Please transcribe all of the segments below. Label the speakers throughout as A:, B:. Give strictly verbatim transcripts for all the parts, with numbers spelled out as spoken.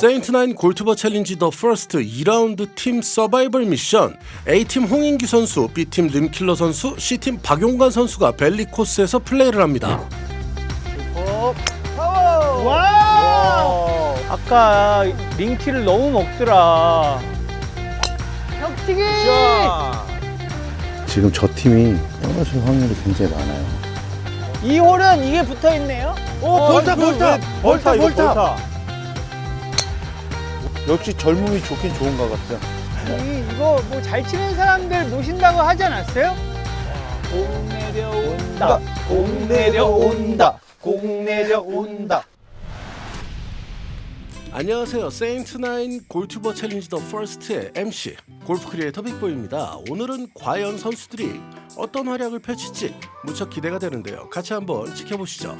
A: 세인트나인 골투버 챌린지 더 퍼스트 이 라운드 팀 서바이벌 미션. A팀 홍인규 선수, B팀 림킬러 선수, C팀 박용관 선수가 벨리 코스에서 플레이를 합니다.
B: 어, 파워! 와! 아까 링티를 너무 먹더라. 혁튀기!
C: 지금 저 팀이 떨어질 확률이 굉장히 많아요.
B: 이 홀은 이게 붙어 있네요.
C: 오, 볼타,
D: 그
C: 볼타!
D: 왜-
C: 볼타,
D: 이거
C: 볼타! 역시 젊음이 좋긴 좋은 것 같아요.
B: 이, 이거 뭐 잘 치는 사람들 모신다고 하지 않았어요? 공 내려온다. 공 내려온다. 공 내려온다.
A: 안녕하세요. 세인트나인 골투버 챌린지 더 퍼스트의 엠씨 골프 크리에이터 빅보이입니다. 오늘은 과연 선수들이 어떤 활약을 펼칠지 무척 기대가 되는데요. 같이 한번 지켜보시죠.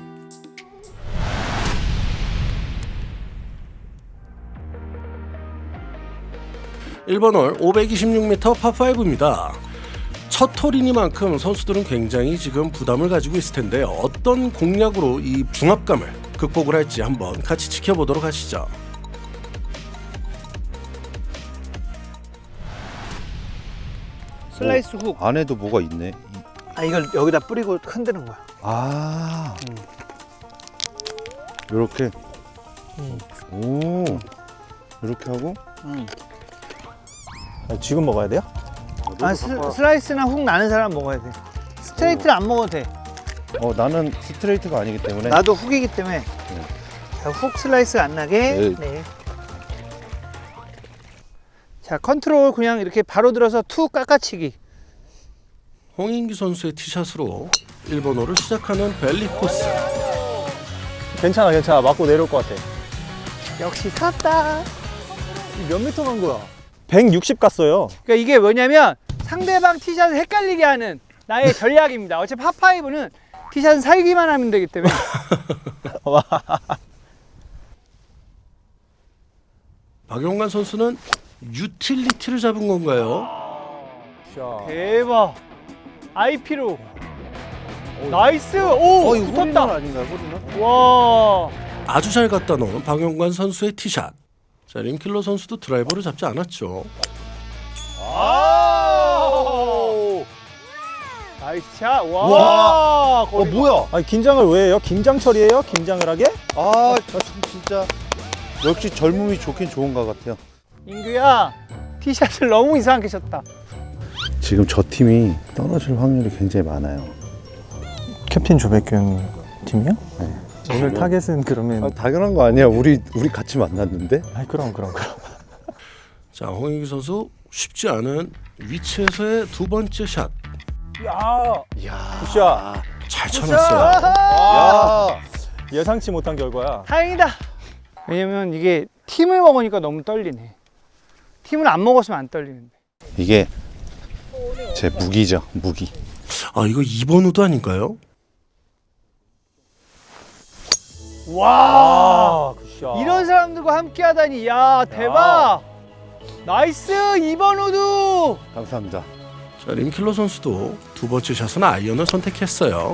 A: 일 번 홀 오백이십육 미터 파오입니다. 첫 홀이니만큼 선수들은 굉장히 지금 부담을 가지고 있을 텐데요. 어떤 공략으로 이 중압감을 극복을 할지 한번 같이 지켜보도록 하시죠.
B: 슬라이스 훅.
C: 안에도 뭐가 있네.
B: 아, 이걸 여기다 뿌리고 흔드는 거야.
C: 아, 요렇게. 오, 이렇게 하고.
B: 음.
D: 아, 지금 먹어야 돼요?
B: 아, 스, 슬라이스나 훅 나는 사람 먹어야 돼. 스트레이트를 안 먹어도 돼.
C: 어, 나는 스트레이트가 아니기 때문에.
B: 나도 훅이기 때문에. 자, 훅 슬라이스가 안 나게.
C: 네.
B: 네. 자, 컨트롤 그냥 이렇게 바로 들어서 툭 깎아치기.
A: 홍인규 선수의 티샷으로 일 번 홀을 시작하는 벨리 코스.
D: 괜찮아, 괜찮아. 맞고 내려올 것 같아.
B: 역시 샀다.
D: 몇 미터 간 거야? 백육십 갔어요.
B: 그러니까 이게 뭐냐면 상대방 티샷을 헷갈리게 하는 나의 전략입니다. 어차피 파파이브는 티샷은 살기만 하면 되기 때문에.
A: 박용관 선수는 유틸리티를 잡은 건가요?
B: 대박. 아이피로. 나이스. 오,
C: 어, 이거 홀인원
B: 붙었다.
C: 아닌가요, 홀인원?
B: 와.
A: 아주 잘 갖다 놓은 박용관 선수의 티샷. 자, 림킬러 선수도 드라이버를 잡지 않았죠.
B: 아! 나이스 샷. 와.
C: 와. 어,
B: 거리.
C: 뭐야?
D: 아니, 긴장을 왜 해요? 긴장 처리해요? 긴장을 하게?
C: 아, 저 참 진짜. 역시 젊음이 좋긴 좋은 것 같아요.
B: 인규야, 티샷을 너무 이상하게 쳤다.
C: 지금 저 팀이 떨어질 확률이 굉장히 많아요.
D: 캡틴 조백균 팀이요?
C: 네.
D: 오늘 타겟은 그러면
C: 아, 당연한 거 아니야. 우리 우리 같이 만났는데.
D: 아이, 그럼 그럼 그럼.
A: 자, 홍인규 선수 쉽지 않은 위치에서의 두 번째 샷.
B: 야.
C: 이야.
D: 굿샷.
A: 잘 쳐놨어요.
C: 야.
D: 예상치 못한 결과야.
B: 다행이다. 왜냐면 이게 팀을 먹으니까 너무 떨리네. 팀을 안 먹었으면 안 떨리는데.
C: 이게 제 무기죠, 무기.
A: 아, 이거 이 번 우드 아닌가요?
B: 와.
D: 아, 굿샷.
B: 이런 사람들과 함께 하다니. 야, 대박. 나이스. 이 번 우드.
C: 감사합니다.
A: 자, 림킬러 선수도 두 번째 샷은 아이언을 선택했어요.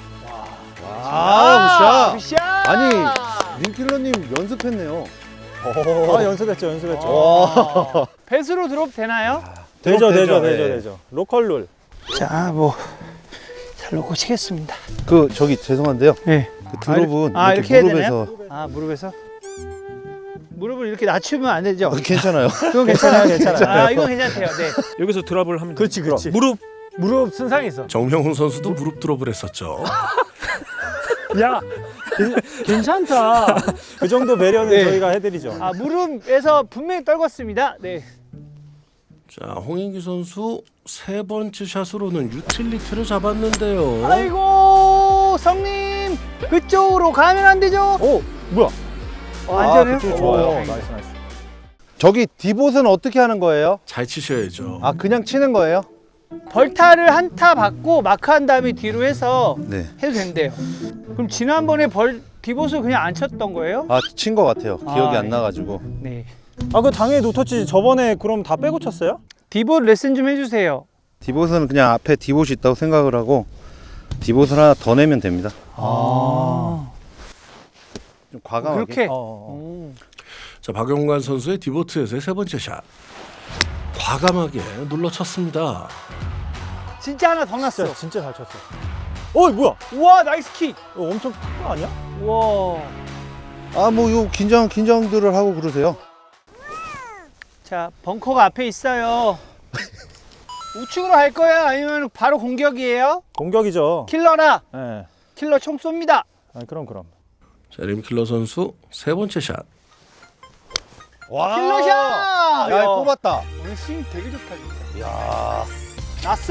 C: 아, 굿샷.
B: 굿샷.
C: 아니, 림킬러님 연습했네요.
D: 아, 연습했죠, 연습했죠.
B: 와. 배수로 드롭 되나요?
D: 되죠, 되죠,
C: 되죠,
D: 되죠,
C: 네.
D: 되죠. 로컬 룰.
B: 자, 뭐 잘 놓고 치겠습니다.
C: 그 저기 죄송한데요.
B: 네.
C: 그 드롭은
B: 아,
C: 이렇게,
B: 이렇게 해야
C: 무릎에서
B: 아, 무릎에서? 무릎을 이렇게 낮추면 안 되죠?
C: 어, 괜찮아요.
B: 그건 괜찮아요, 괜찮아요. 아, 이건 괜찮대요. 네.
E: 여기서 드랍을 하면
D: 그렇지, 그렇지.
E: 무릎 무릎 손상이 있어.
A: 정명훈 선수도 무릎 드롭을 했었죠.
E: 야 괜찮다.
D: 그 정도 배려는
B: 네.
D: 저희가 해드리죠.
B: 아, 무릎에서 분명히 떨궜습니다. 네.
A: 자, 홍인규 선수 세 번째 샷으로는 유틸리티를 잡았는데요.
B: 아이고, 성님 그쪽으로 가면 안 되죠?
D: 오, 뭐야?
B: 어, 안전해요?
D: 그쪽
B: 오,
D: 좋아요.
B: 다행이다.
D: 나이스, 나이스.
C: 저기 디봇은 어떻게 하는 거예요?
A: 잘 치셔야죠.
C: 아, 그냥 치는 거예요?
B: 벌타를 한 타 받고 마크한 다음에 뒤로 해서
C: 네.
B: 해도 된대요. 그럼 지난번에 벌 디봇을 그냥 안 쳤던 거예요?
C: 아, 친 거 같아요. 기억이
B: 아,
C: 안
B: 네.
C: 나가지고.
B: 네.
D: 아, 그 당연히 노터치 저번에 그럼 다 빼고 쳤어요?
B: 디봇 레슨 좀 해주세요.
C: 디봇은 그냥 앞에 디봇이 있다고 생각을 하고 디봇을 하나 더 내면 됩니다.
B: 아.
C: 좀 과감하게.
B: 그렇게.
D: 어.
B: 오.
A: 자, 박용관 선수의 디보트에서의 세 번째 샷. 과감하게 눌러쳤습니다.
B: 진짜 하나 더 났어.
D: 진짜, 진짜 잘 쳤어. 어이 뭐야?
B: 우와, 나이스 킥.
D: 이거 엄청 큰 거 아니야?
B: 우와.
C: 아, 뭐 요 긴장 긴장들을 하고 그러세요.
B: 자, 벙커가 앞에 있어요. 우측으로 할 거야? 아니면 바로 공격이에요?
D: 공격이죠.
B: 킬러라.
D: 예.
B: 킬러 총 쏩니다.
D: 아, 그럼 그럼.
A: 자, 림킬러 선수 세 번째 샷.
C: 와.
B: 킬러샷.
C: 야,
B: 야,
C: 뽑았다.
B: 오늘 스윙 되게 좋다 진짜.
C: 야.
B: 났어.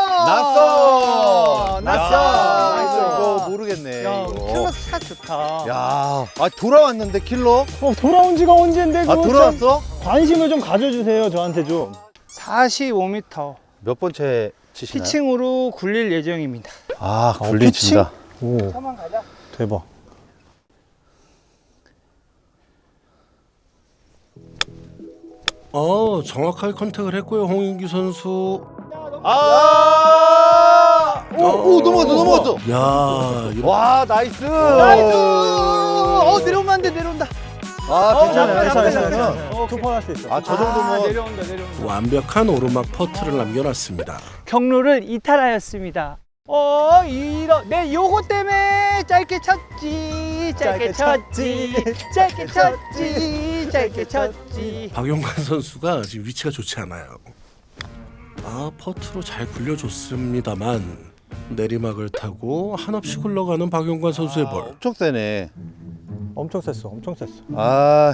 C: 났어.
B: 났어.
C: 야,
B: 나이스.
C: 이거 모르겠네.
B: 야,
C: 이거.
B: 킬러 샷 좋다.
C: 야, 아 돌아왔는데 킬러?
D: 어, 돌아온 지가 언젠데
C: 아
D: 그거 좀
C: 돌아왔어?
D: 관심을 좀 가져주세요 저한테 좀.
B: 사십오 미터.
C: 몇 번째 치시나요?
B: 피칭으로 굴릴 예정입니다.
C: 아,
D: 어,
C: 굴린
D: 피칭?
C: 친다.
D: 오,
B: 한번 가자.
D: 대박.
A: 어, 정확하게 컨택을 했고요. 홍인규 선수.
C: 아! 오, 오 넘어갔어, 넘어갔어.
A: 야, 이렇게
C: 와, 나이스.
B: 나이스. 어, 내려오면 안 돼, 내려온다.
C: 아,
B: 어,
C: 괜찮아요,
B: 괜찮아,
C: 괜찮아요.
B: 괜찮아.
C: 괜찮아요.
D: 투퍼 할 수 있어.
C: 아, 저
B: 아,
C: 정도면
B: 내려온다, 내려온다.
A: 완벽한 오르막 퍼트를 남겨놨습니다.
B: 경로를 이탈하였습니다. 어, 이러, 내 요거 때문에 짧게 쳤지, 짧게 쳤지, 짧게 쳤지, 짧게 쳤지.
A: 박용관 선수가 지금 위치가 좋지 않아요. 아, 퍼트로 잘 굴려줬습니다만 내리막을 타고 한없이 굴러가는 박용관 선수의 볼.
C: 엄청 세네.
D: 엄청 셌어, 엄청 셌어.
C: 아,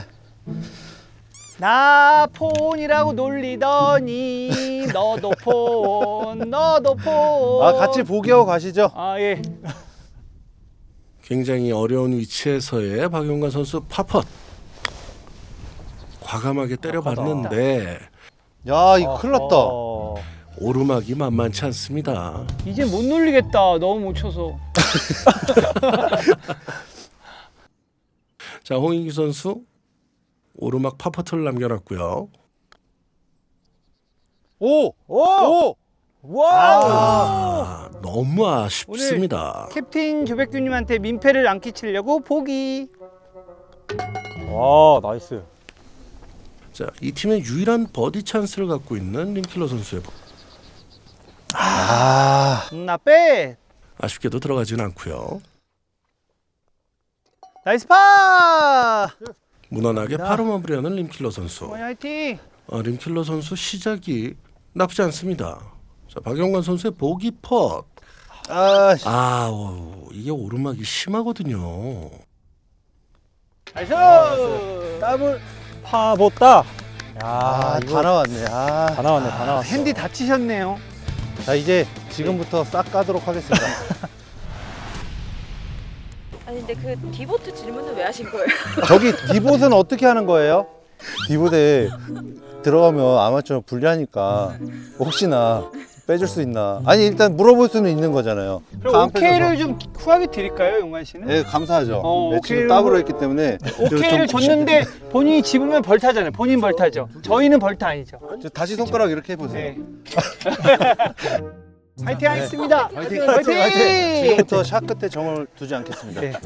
B: 나 폰이라고 놀리더니 너도 폰, 너도 폰.
C: 아 같이 보기하고 가시죠.
B: 아, 예.
A: 굉장히 어려운 위치에서의 박용관 선수 파펫. 과감하게 때려봤는데
C: 야, 이거 큰일 났다.
D: 어,
A: 오르막이 만만치 않습니다.
B: 이제 못 놀리겠다. 너무 못 쳐서.
A: 자, 홍인기 선수 오르막 파퍼트를 남겨놨고요.
C: 오,
D: 오!
C: 오.
D: 와!
A: 아, 너무 아쉽습니다.
B: 캡틴 조백규님한테 민폐를 안 끼치려고 보기.
D: 와, 나이스.
A: 자, 이 팀의 유일한 버디 찬스를 갖고 있는 림킬러 선수의 볼.
C: 아,
B: 음, 나 빼.
A: 아쉽게도 들어가지는 않고요.
B: 나이스 파.
A: 무난하게 파로 마무리하는 림킬러 선수.
B: 어머니 화이팅.
A: 어, 림킬러 선수 시작이 나쁘지 않습니다. 자, 박용관 선수의 보기 펫.
C: 아, 씨.
A: 아, 오, 이게 오르막이 심하거든요.
B: 나이스.
C: 더블.
D: 파보다. 야,
C: 아,
D: 이거
C: 다 나왔네. 아,
D: 다 나왔네, 다 나왔어.
B: 핸디 다치셨네요.
C: 자 이제 지금부터 싹 까도록 하겠습니다.
F: 아니 근데 그 디보트 질문은 왜 하신 거예요?
C: 저기 디봇은 어떻게 하는 거예요? 디봇에 들어가면 아마추어 불리하니까 혹시나 빼줄 수 있나? 아니 일단 물어볼 수는 있는 거잖아요.
B: 그럼
C: 다음
B: 오케이를 좀 후하게 드릴까요, 용관 씨는?
C: 네, 감사하죠.
B: 어,
C: 네,
B: 오케이를
C: 지금 더블을 했기 때문에
B: 오케이를
C: 좀-
B: 줬는데 본인이 집으면 벌타잖아요. 본인 벌타죠. 저희는 벌타 아니죠.
C: 저 다시 손가락 이렇게 해보세요.
B: 네. 화이팅 하겠습니다.
C: 화이팅!
B: 화이팅! 화이팅!
C: 지금부터 샷 끝에 정을 두지 않겠습니다.
B: 네.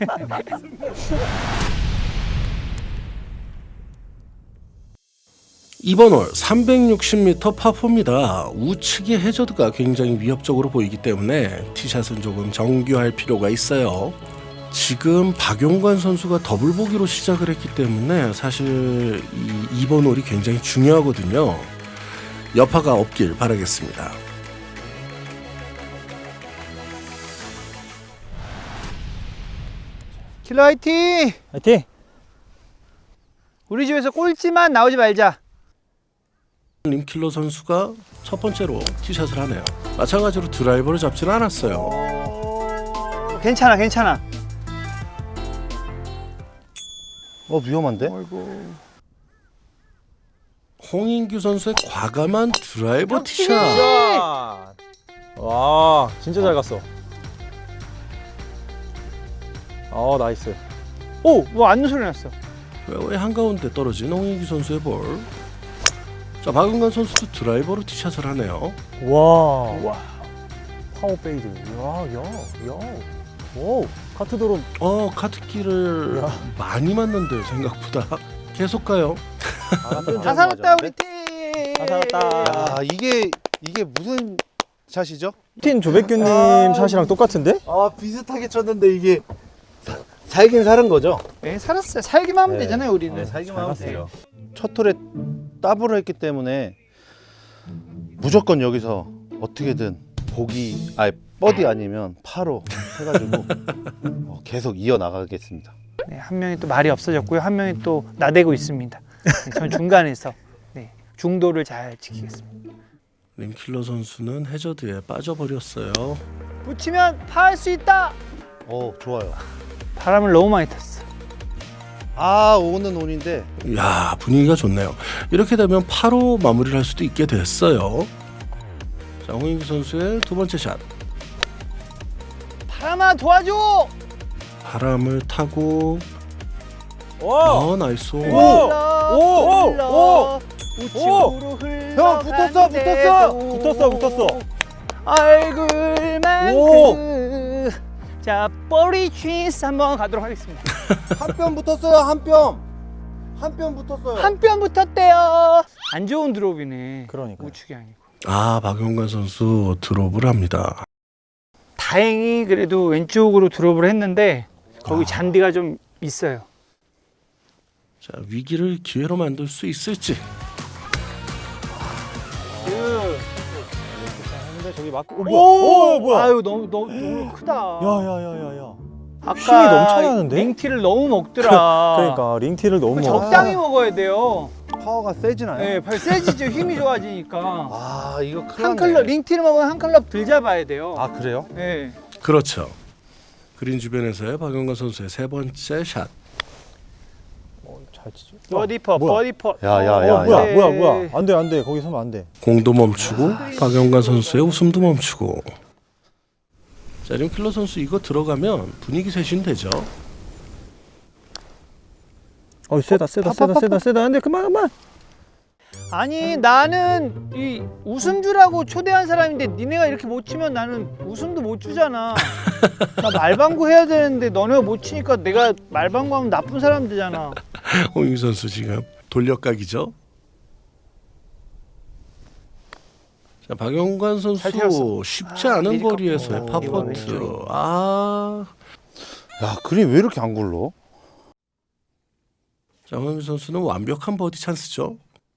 A: 이번 홀 삼백육십 미터 파포입니다. 우측의 해저드가 굉장히 위협적으로 보이기 때문에 티샷은 조금 정교할 필요가 있어요. 지금 박용관 선수가 더블 보기로 시작을 했기 때문에 사실 이 이번 홀이 굉장히 중요하거든요. 여파가 없길 바라겠습니다.
B: 킬러 화이팅!
D: 화이팅!
B: 우리 집에서 꼴찌만 나오지 말자.
A: 림킬러 선수가 첫 번째로 티샷을 하네요. 마찬가지로 드라이버를 잡지는 않았어요.
B: 어... 괜찮아, 괜찮아.
C: 어 위험한데?
A: 홍인규 선수의 과감한 드라이버
B: 역시!
A: 티샷.
D: 와, 진짜 잘 갔어. 어, 나이스.
B: 오, 뭐 앉는 소리 났어.
A: 왜 한가운데 떨어진 홍인규 선수의 볼. 자, 박은관 선수도 드라이버로 티샷을 하네요.
D: 와. 와. 파워 페이드. 야, 야, 야. 오, 카트 드론.
A: 어, 카트키를
D: 야.
A: 많이 맞는데요, 생각보다. 계속 가요.
B: 다 살았다 우리 팀.
D: 다 살았다.
C: 야, 이게 이게 무슨 샷이죠?
D: 팀 조백규님
C: 아,
D: 샷이랑 똑같은데?
C: 아, 비슷하게 쳤는데 이게 사, 살긴 사는 거죠?
B: 네 살았어요. 살기만 하면
C: 네.
B: 되잖아요 우리는.
C: 네, 살기만 하면 돼요. 첫 톨에 더블을 했기 때문에 무조건 여기서 어떻게든 보기, 아니 버디 아니면 파로 해가지고 어, 계속 이어 나가겠습니다.
B: 네, 한 명이 또 말이 없어졌고요. 한 명이 또 나대고 있습니다. 네, 전 중간에서 네, 중도를 잘 지키겠습니다.
A: 림킬러 선수는 해저드에 빠져버렸어요.
B: 붙이면 파할 수 있다.
C: 어, 좋아요.
B: 바람을 너무 많이 탔어.
C: 아, 오는 온인데
A: 야, 분위기가 좋네요. 이렇게 되면 파로 마무리를 할 수도 있게 됐어요. 자, 홍인기 선수의 두 번째 샷.
B: 바람아 도와줘.
A: 바람을 타고
D: 와!
A: 어 나이스.
B: 흘러,
D: 오!
B: 흘러,
D: 오!
B: 우측으로 흘러.
C: 형, 붙었어, 붙었어!
D: 붙었어, 붙었어.
B: 얼굴만큼. 자, 버리 취스 한번 가도록 하겠습니다.
C: 한 뼘 붙었어요. 한 뼘. 한 뼘 붙었어요.
B: 한 뼘 붙었대요. 안 좋은 드롭이네.
D: 그러니까요.
B: 우측이 아니고.
A: 아, 박용관 선수 드롭을 합니다.
B: 다행히 그래도 왼쪽으로 드롭을 했는데 거기 잔디가 좀 있어요.
A: 자, 위기를 기회로 만들 수 있을지.
D: 근데 저기 막 오, 뭐야? 오, 뭐야?
B: 아유 너무 너무 너무 크다.
D: 야야야야야.
B: 아까
D: 힘이 넘쳐나는데?
B: 링티를 너무 먹더라.
D: 그러니까 링티를 너무
B: 그거
D: 먹어.
B: 적당히 먹어야 돼요.
C: 파워가 세지나요?
B: 네, 발 세지죠. 힘이 좋아지니까.
C: 아, 이거 큰일
B: 한
C: 났네.
B: 클럽 링티를 먹으면 한 클럽 덜 잡아야 돼요.
C: 아, 그래요?
B: 네.
A: 그렇죠. 그린 주변에서의 박용관 선수의 세 번째 샷.
D: 잘 치죠.
B: 버디퍼,
D: 뭐야?
B: 버디퍼.
C: 야, 야,
D: 어,
C: 야,
D: 뭐야,
B: 네.
D: 뭐야, 뭐야? 안 돼, 안 돼. 거기 서면 안 돼.
A: 공도 멈추고 박용관 선수의 웃음도 멈추고. 자, 림킬러 선수 이거 들어가면 분위기 쇄신 되죠.
D: 어, 세다, 세다, 세다, 세다, 세다. 안 돼, 그만, 그만.
B: 아니 나는 이 웃음 주라고 초대한 사람인데 니네가 이렇게 못 치면 나는 웃음도 못 주잖아. 나 말방구 해야 되는데 너네가 못 치니까 내가 말방구 하면 나쁜 사람 되잖아.
A: 홍인기 선수 지금 돌려각이죠. 자, 박용관 선수
B: 잘 튀었어.
A: 쉽지
B: 아,
A: 않은
B: 미리
A: 거리에서의
B: 꺾고.
A: 파퍼트.
B: 이거
A: 아,
C: 야, 그림 왜 이렇게 안 굴러?
A: 자, 홍인기 선수는 완벽한 버디 찬스죠.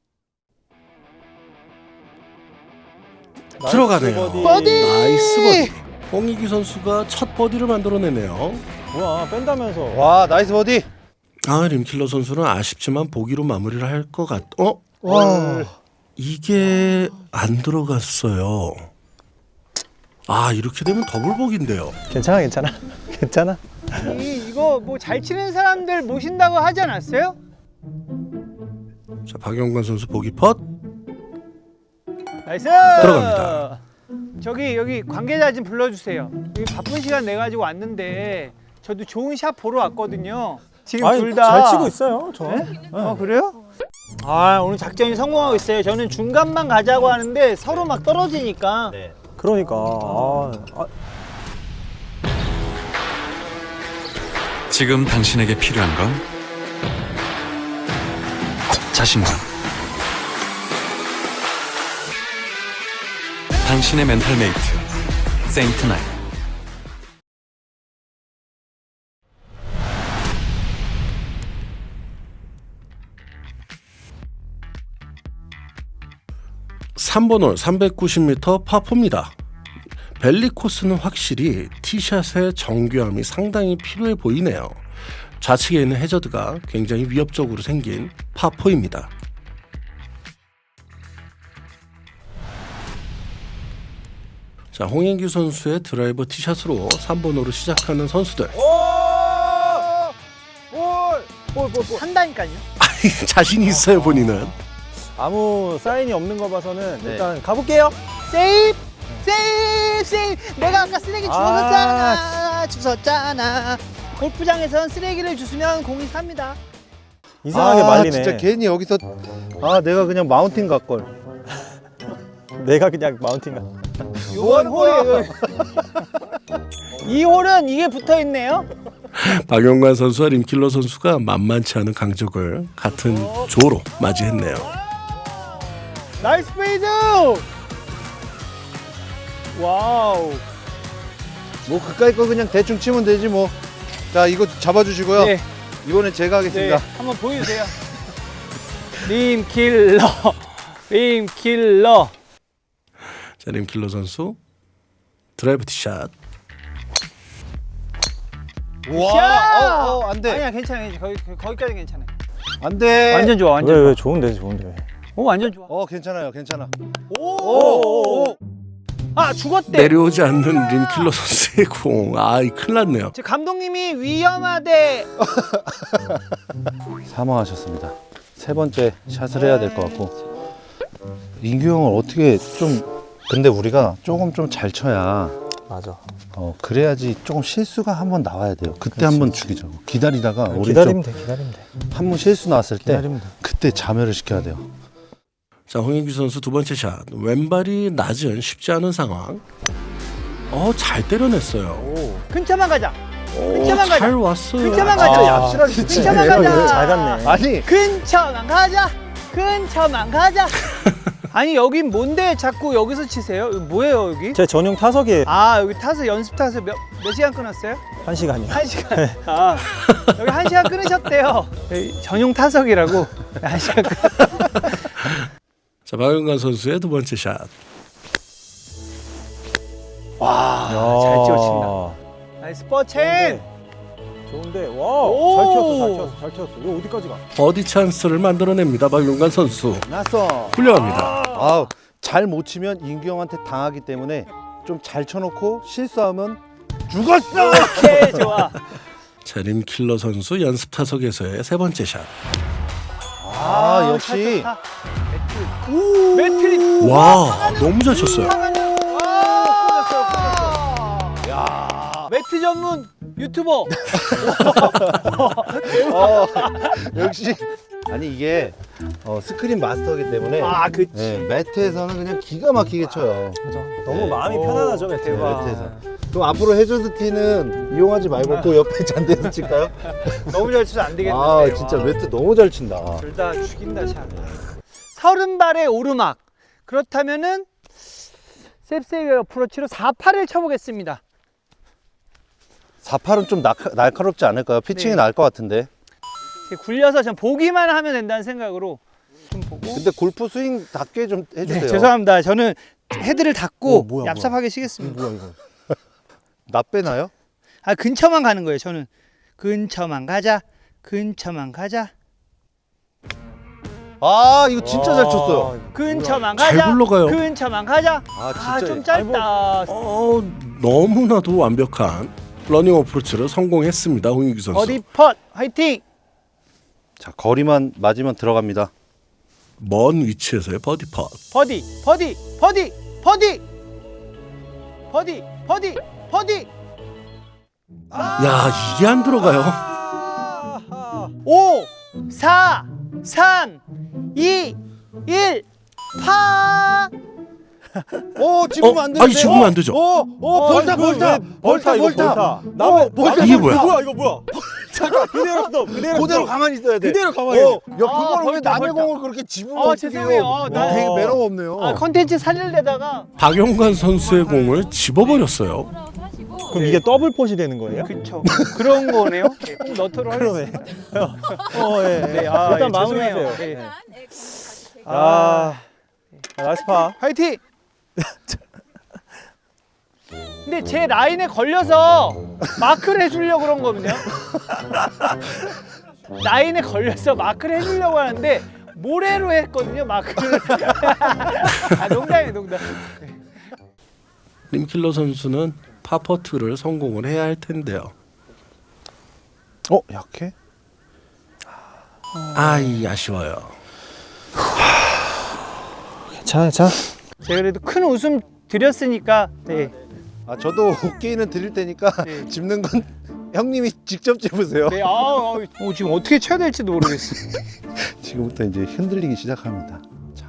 A: 들어가네요.
D: 버디.
B: 버디!
A: 나이스 버디. 홍인기 선수가 첫 버디를 만들어내네요.
D: 뭐야, 뺀다면서.
C: 와, 나이스 버디.
A: 아, 림킬러 선수는 아쉽지만 보기로 마무리를 할 것 같. 어?
C: 와.
A: 이게 안 들어갔어요. 아, 이렇게 되면 더블 복인데요.
D: 괜찮아, 괜찮아. 괜찮아.
B: 이, 이거 뭐 잘 치는 사람들 모신다고 하지 않았어요?
A: 자, 박용관 선수 보기 펫.
B: 나이스!
A: 들어갑니다.
B: 저기 여기 관계자 좀 불러주세요. 여기 바쁜 시간 내 가지고 왔는데 저도 좋은 샷 보러 왔거든요. 지금
D: 아니,
B: 둘 다
D: 잘 치고 있어요, 저.
B: 네? 어 그래요? 아 오늘 작전이 성공하고 있어요. 저는 중간만 가자고 하는데 서로 막 떨어지니까.
D: 그러니까. 아, 아,
G: 지금 당신에게 필요한 건 자신감. 당신의 멘탈 메이트 세인트 나인.
A: 삼 번 홀 삼백구십 미터 파포입니다. 벨리 코스는 확실히 티샷의 정교함이 상당히 필요해 보이네요. 좌측에 있는 해저드가 굉장히 위협적으로 생긴 파포입니다. 자, 홍인기 선수의 드라이버 티샷으로 삼 번 홀을 시작하는 선수들.
B: 한다니까요.
A: 자신이 있어요, 본인은.
D: 아무 사인이 없는 거 봐서는
C: 네.
D: 일단 가볼게요.
B: 세이프! 세이프! 세이프! 내가 아까 쓰레기 주웠잖아. 주웠잖아. 골프장에선 쓰레기를 주스면 공이 삽니다.
D: 이상하게
C: 아,
D: 말리네.
C: 진짜 괜히 여기서 아, 내가 그냥 마운틴 갈 걸.
D: 내가 그냥 마운틴 가.
B: 요번 홀이에요. 이 홀은 이게 붙어 있네요.
A: 박용관 선수와 림킬러 선수가 만만치 않은 강적을 같은 조로 맞이했네요.
B: 나이스 페이드. 와우.
C: 뭐 그까이 거 그냥 대충 치면 되지 뭐. 자 이거 잡아주시고요.
B: 네.
C: 이번엔 제가
B: 네.
C: 하겠습니다.
B: 한번 보여주세요. 림킬러. 림킬러.
A: 자, 림킬러 선수 드라이브 티샷.
C: 와, 어, 어, 안 돼.
B: 아니야, 괜찮아, 괜찮아. 거기 거기까지 괜찮아.
C: 안 돼.
B: 완전 좋아, 완전
D: 왜,
B: 좋아.
D: 왜 좋은데, 좋은데.
B: 오, 완전 좋아.
C: 어, 괜찮아요, 괜찮아.
B: 오,
C: 오, 오.
B: 아, 죽었대.
A: 내려오지 않는 림킬러 선수의 공. 아, 이 큰일 났네요.
B: 제 감독님이 위험하대.
C: 사망하셨습니다. 세 번째 샷을 해야 될 것 같고. 인규 형을 어떻게 좀 근데 우리가 조금 좀 잘 쳐야
D: 맞아.
C: 어 그래야지 조금 실수가 한번 나와야 돼요. 그때
D: 그렇지,
C: 한번
D: 그렇지.
C: 죽이자고. 기다리다가 우리
D: 기다리면 돼, 기다리면 돼.
C: 한 번 실수 나왔을 때
D: 기다리면 돼.
C: 그때 자멸을 시켜야 돼요.
A: 자, 홍인규 선수 두 번째 샷. 왼발이 낮은 쉽지 않은 상황. 어, 잘 때려냈어요.
B: 근처만 가자.
A: 오,
B: 근처만 가자.
A: 잘 왔어요.
B: 근처만
C: 아,
B: 가자.
C: 얍실하게
B: 근처만
D: 내가
B: 가자.
D: 잘 갔네.
C: 아니
B: 근처만 가자. 근처만 가자. 아니 여긴 뭔데 자꾸 여기서 치세요? 이거 뭐예요 여기?
D: 제 전용 타석에
B: 아 여기 타서 연습 타서 몇, 몇 시간 끊었어요?
D: 한 시간이요.
B: 한 시간. 아 여기 한 시간 끊으셨대요. 여기 전용 타석이라고 한 시간 끊.
A: 자, 박용관 선수의 두 번째 샷.
B: 와, 잘 찍어친다. 나이스 버첸.
D: 좋은데,
B: 오!
D: 와, 잘 튀었어, 잘 튀었어, 잘 튀었어. 이거 어디까지 가?
A: 버디 찬스를 만들어냅니다. 박용관 선수.
C: 났어.
A: 훌륭합니다.
C: 아, 잘 못 치면 인규 형한테 당하기 때문에 좀 잘 쳐놓고 실수하면 죽었어.
B: 오케이 좋아.
A: 자, 림킬러 선수 연습 타석에서의 세 번째 샷.
C: 아, 역시.
B: 차 좋다. 매트. 매트리.
A: 와, 너무 잘 쳤어요.
B: 야. 매트 전문 유튜버.
C: 어, 역시. 아니 이게 어, 스크린 마스터이기 때문에
B: 아 그치.
C: 네, 매트에서는 그냥 기가 막히게 쳐요.
D: 맞아. 너무
C: 네.
D: 마음이
B: 오,
D: 편안하죠, 매트.
B: 대박.
C: 매트에서. 그럼 앞으로 해저드 티는 이용하지 말고 그 옆에 잔디에서 칠까요?
B: 너무 잘 치면 안 되겠는데.
C: 아 진짜 매트 너무 잘 친다.
B: 둘 다 죽인다 샷. 서른 발의 오르막. 그렇다면은 셉세이 어프로치로 사팔을 쳐보겠습니다.
C: 사팔은 좀 날카, 날카롭지 않을까요? 피칭이
B: 네.
C: 나을 것 같은데.
B: 굴려서 전 보기만 하면 된다는 생각으로 좀 보고.
C: 근데 골프 스윙답게 좀 해주세요.
B: 네, 죄송합니다. 저는 헤드를 닫고
C: 어, 뭐야,
B: 얍삽하게 치겠습니다.
C: 뭐야 이거? 나 빼나요?
B: 아 근처만 가는 거예요. 저는 근처만 가자. 근처만 가자.
C: 아 이거 진짜 잘 쳤어요.
B: 근처만
A: 잘
B: 가자.
A: 굴러가요.
B: 근처만 가자.
C: 아 진짜.
B: 아 좀 짧다.
A: 어, 너무나도 완벽한 러닝 어프로치를 성공했습니다. 홍인규 선수.
B: 어디 펫 화이팅.
C: 자 거리만 맞으면 들어갑니다.
A: 먼 위치에서의 버디 펫.
B: 버디 버디 버디 버디 버디 버디 버디.
A: 야, 이게 안 들어가요.
B: 오, 사, 삼, 이, 일, 파.
C: 오 집으면
A: 어?
C: 안 되는데.
A: 아니, 집으면 안 되죠.
C: 오, 오 볼타 볼타 볼타
D: 이거
C: 볼타.
D: 볼타.
C: 나무 볼타.
A: 이게 뭐야?
D: 뭐야, 이거 뭐야? 잠깐, 그대로 써, 그대로
C: 그대로
D: 써.
C: 가만히 있어야 돼.
D: 그대로 가만히
C: 어,
D: 있어.
C: 야
B: 아,
C: 그걸 왜
B: 볼타,
C: 남의
B: 볼타.
C: 공을 그렇게 집으면
B: 아,
C: 어떡해요?
B: 죄송해요. 아, 나-
C: 되게 매너가 없네요.
B: 아 컨텐츠 살릴래다가.
A: 박용관 선수의 공을 집어버렸어요.
F: 하시고
D: 그럼 이게 더블 폿이 되는 거예요?
B: 그쵸. 그런 거네요. 네, 꼭 너트로
D: 그러네.
B: 하겠습니다.
D: 어, 예.
B: 네, 아,
D: 일단
B: 예,
D: 마무리하세요.
B: 죄송해요. 네.
D: 네.
B: 아,
D: 아, 나이스 파.
B: 화이팅. 근데 제 라인에 걸려서 마크를 해주려고 그런 거거든요. 라인에 걸려서 마크를 해주려고 하는데 모래로 했거든요, 마크를. 아, 농담이에요, 농담.
A: 림킬러 선수는 파퍼트를 성공을 해야 할 텐데요.
C: 어 약해?
A: 아이, 아쉬워요.
D: 괜찮아, 괜찮아.
B: 제가 그래도 큰 웃음 드렸으니까 네.
C: 아 저도 오케이는 드릴 테니까
B: 네.
C: 집는 건 형님이 직접 집으세요.
B: 네, 아, 아, 어, 지금 어떻게 쳐야 될지도 모르겠어요.
C: 지금부터 이제 흔들리기 시작합니다. 자,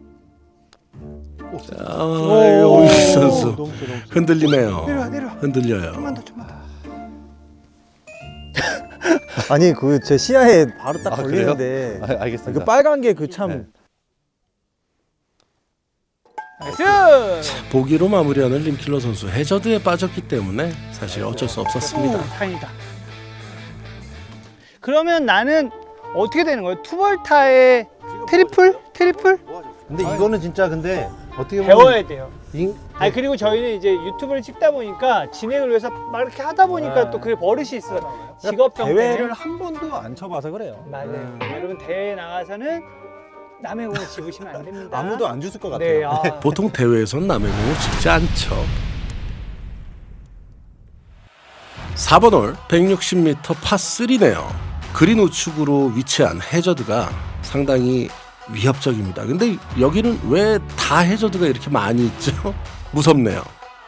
A: 아, 홍인규 선수
D: 너무 세, 너무 세.
A: 흔들리네요.
B: 내려와, 내려와.
A: 흔들려요.
B: 좀만 더, 좀만 더.
D: 아니 그 제 시야에 바로 딱
C: 아,
D: 걸리는데
C: 아, 알겠습니다.
D: 그 빨간 게 그 참
C: 네.
B: 나이스.
A: 보기로 마무리하는 림킬러 선수. 해저드에 빠졌기 때문에 사실 어쩔 수 없었습니다.
B: 오, 다행이다. 그러면 나는 어떻게 되는 거예요? 투벌타에 트리플? 트리플?
C: 근데 이거는 진짜 근데 어떻게 보면
B: 배워야 돼요.
C: 인...
B: 아니 그리고 저희는 이제 유튜브를 찍다 보니까 진행을 위해서 막 이렇게 하다 보니까
D: 네.
B: 또 그게 버릇이 있어. 직업병
E: 대회를
B: 때문에.
E: 한 번도 안 쳐봐서 그래요.
B: 맞아요. 여러분 대회 나가서는 남의 공을 집으시면 안 됩니다.
D: 아무도 안 줬을 것 같아요.
B: 네. 아.
A: 보통 대회에선 남의 공을 집지 않죠. 사 번 홀 백육십 미터 파삼네요. 그린 우측으로 위치한 해저드가 상당히 위협적입니다. 근데 여기는 왜 다 해저드가 이렇게 많이 있죠? 무섭네요.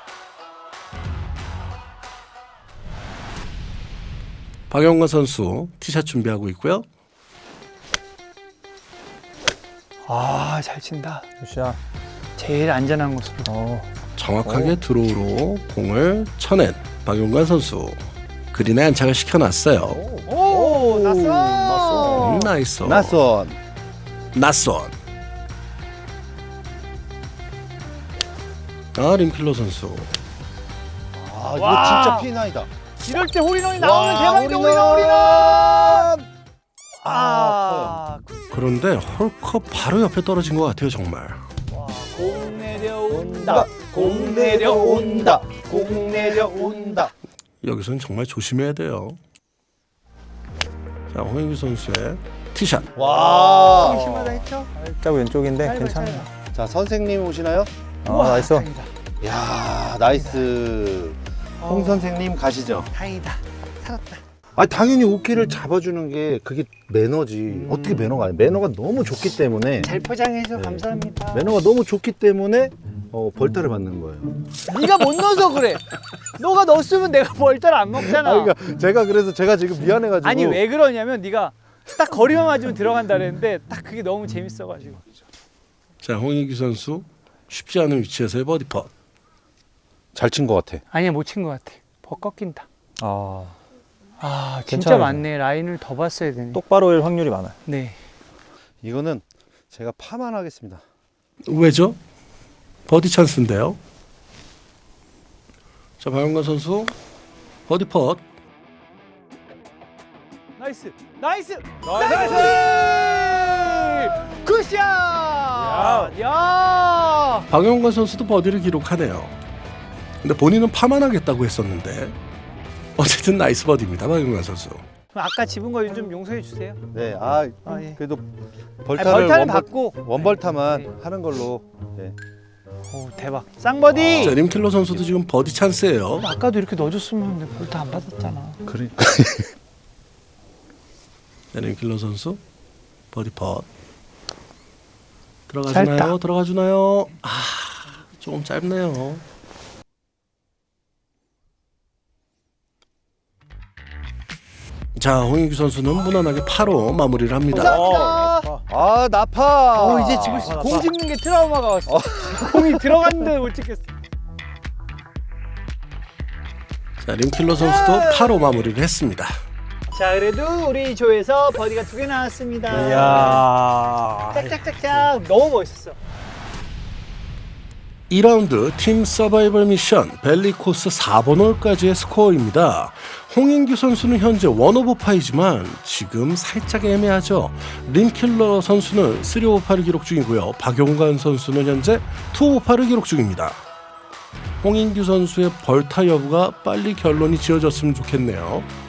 A: 박영관 선수 티샷 준비하고 있고요.
B: 아, 잘 친다.
D: 굿샷.
B: 제일 안전한 곳으로.
D: 어.
A: 정확하게 드로우로 공을 쳐낸 박용관 선수. 그린에 안착을 시켜놨어요.
B: 오, 났어.
A: 음, 나이스.
C: 나선.
A: 낯선. 아, 림킬러 선수.
C: 아 이거
B: 와.
C: 진짜 피나이다.
B: 이럴 때 홀인원이 나오면
C: 와,
B: 대박이다.
C: 홀인원!
B: 홀인원, 홀인원.
C: 아,
B: 아,
A: 그런데 홀컵 바로 옆에 떨어진 것 같아요, 정말.
B: 와, 공 내려온다. 공 내려온다. 공 내려온다.
A: 여기서는 정말 조심해야 돼요. 자, 홍인규 선수의 티샷.
C: 와.
B: 심하다 했죠?
D: 살짝 왼쪽인데
B: 짧아,
D: 괜찮아요.
B: 짧아.
C: 자 선생님 오시나요?
D: 아,
B: 우와,
D: 나이스.
B: 다행이다.
C: 야 나이스. 홍 선생님 가시죠.
B: 다행이다. 살았다.
C: 아 당연히 오케이를 잡아주는 게 그게 매너지. 어떻게 매너가 아니야? 매너가 너무 좋기 때문에
B: 잘 포장해서
C: 네.
B: 감사합니다.
C: 매너가 너무 좋기 때문에 어, 벌타를 받는 거예요.
B: 네가 못 넣어서 그래. 너가 넣었으면 내가 벌떼를 안 먹잖아.
C: 아, 그러니까 제가 그래서 제가 지금 미안해가지고.
B: 아니 왜 그러냐면 네가 딱 거리만 맞으면 들어간다 그랬는데 딱 그게 너무 재밌어가지고.
A: 자, 홍인규 선수 쉽지 않은 위치에서의 버디 펫.
C: 잘 친 것 같아.
B: 아니야 못 친 것 같아. 버 꺾인다.
D: 아,
B: 아 진짜
D: 괜찮아요.
B: 많네. 라인을 더 봤어야 되네.
D: 똑바로일 확률이 많아요.
B: 네.
C: 이거는 제가 파만 하겠습니다.
A: 왜죠? 버디 찬스인데요. 자, 박용관 선수 버디 펫.
B: 나이스. 나이스. 나이스. 굿샷. 야. 야.
A: 박용관 선수도 버디를 기록하네요. 근데 본인은 파만 하겠다고 했었는데 어쨌든 나이스 버디입니다, 박용관 선수.
B: 그럼 아까 집은 거 좀 용서해 주세요.
C: 네, 아
B: 아 예.
C: 그래도
B: 아니,
C: 벌타를
B: 벌타는
C: 원벌,
B: 받고.
C: 원벌타만
B: 네.
C: 하는 걸로. 네.
B: 오 대박. 쌍버디.
A: 자, 림킬러 선수도 지금 버디 찬스예요.
B: 아까도 이렇게 넣어줬으면 내가 벌타 안 받았잖아.
C: 그래.
A: 자, 림킬러 선수 버디 펫. 들어가주나요?
B: 짧다.
A: 들어가주나요? 아, 조금 짧네요. 자, 홍인규 선수는 무난하게 파로 마무리를 합니다.
B: 감사합니다.
C: 아 나파.
B: 어 이제 지금
D: 아,
B: 공 찍는 게 트라우마가 왔어. 공이 들어갔는데 못 찍겠어.
A: 자, 림킬러 선수도 파로 마무리를 했습니다.
B: 자 그래도 우리 조에서 버디가 두 개 나왔습니다.
D: 이야.
B: 짝짝짝짝 너무 멋있었어.
A: 이 라운드 팀 서바이벌 미션 벨리 코스 사 번 홀까지의 스코어입니다. 홍인규 선수는 현재 원 오버 파이지만 지금 살짝 애매하죠. 림킬러 선수는 쓰리 오버 파를 기록 중이고요. 박용관 선수는 현재 투 오버 파를 기록 중입니다. 홍인규 선수의 벌타 여부가 빨리 결론이 지어졌으면 좋겠네요.